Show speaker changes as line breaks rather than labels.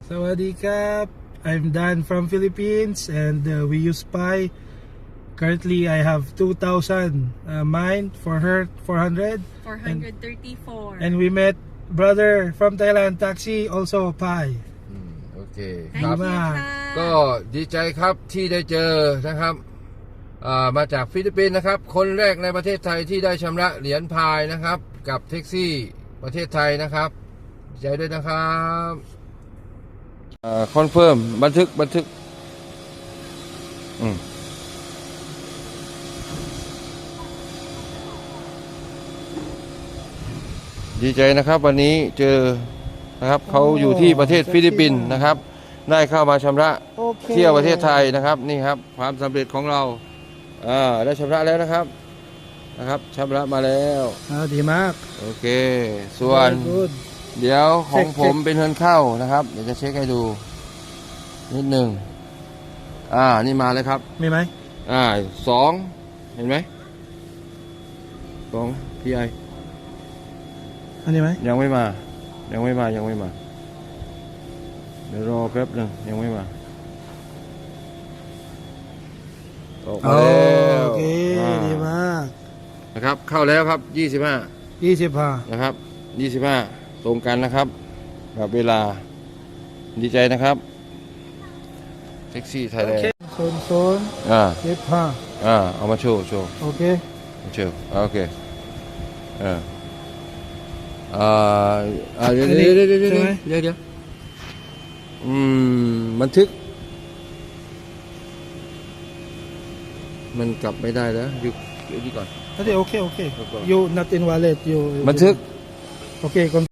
Sawadee Krap. I'm Dan from Philippines and we use Pi. Currently I have 2,000 mine for her 400.
434.
And we met brother from Thailand, Taxi, also Pi.
โอเคค
Thank
รับ
you ค่ะ
ก็ดีใจครับที่ได้เจอนะครับมาจากฟิลิปปินส์นะครับคนแรกในประเทศไทยที่ได้ชำระเหรียญพายนะครับกับแท็กซี่ประเทศไทยนะครับดีใจด้วยนะครับคอนเฟิร์มบันทึกดีใจนะครับวันนี้เจอนะครับเขาอยู่ที่ประเทศฟิลิปปินส์นะครับได้เข้ามาชำระเที่ยวประเทศไทยนะครับนี่ครับความสำเร็จของเราได้ชำระแล้วนะครับชำระมาแล้ว
ดีมาก
โอเคส่วน
Good.
เดี๋ยวของผมเป็นเงินเข้านะครับเดี๋ยวจะเช็คให้ดูนิดหนึ่งนี่มาเลยครับ
มีไหม
2เห็นไหมของพี่ไอ
อันนี้ไหม
ยังไม่มาเดี๋ยวรอแป๊บหนึ่งยังไม่มาออกมาแล้ว
โอเคดีมาก
นะครับเข้าแล้วครับ25นะครับ25ตรงกันนะครับกับเวลาดีใจนะครับแท็กซี่ไทยแลนด์
โซน25
เอามาโชว์
โอเค
โชว์โอเคเดี๋ยวบันทึกมันกลับไม่ได้แล้วอยู่นี่ก่อน
โอเค you not in wallet you
บันทึก
โอเค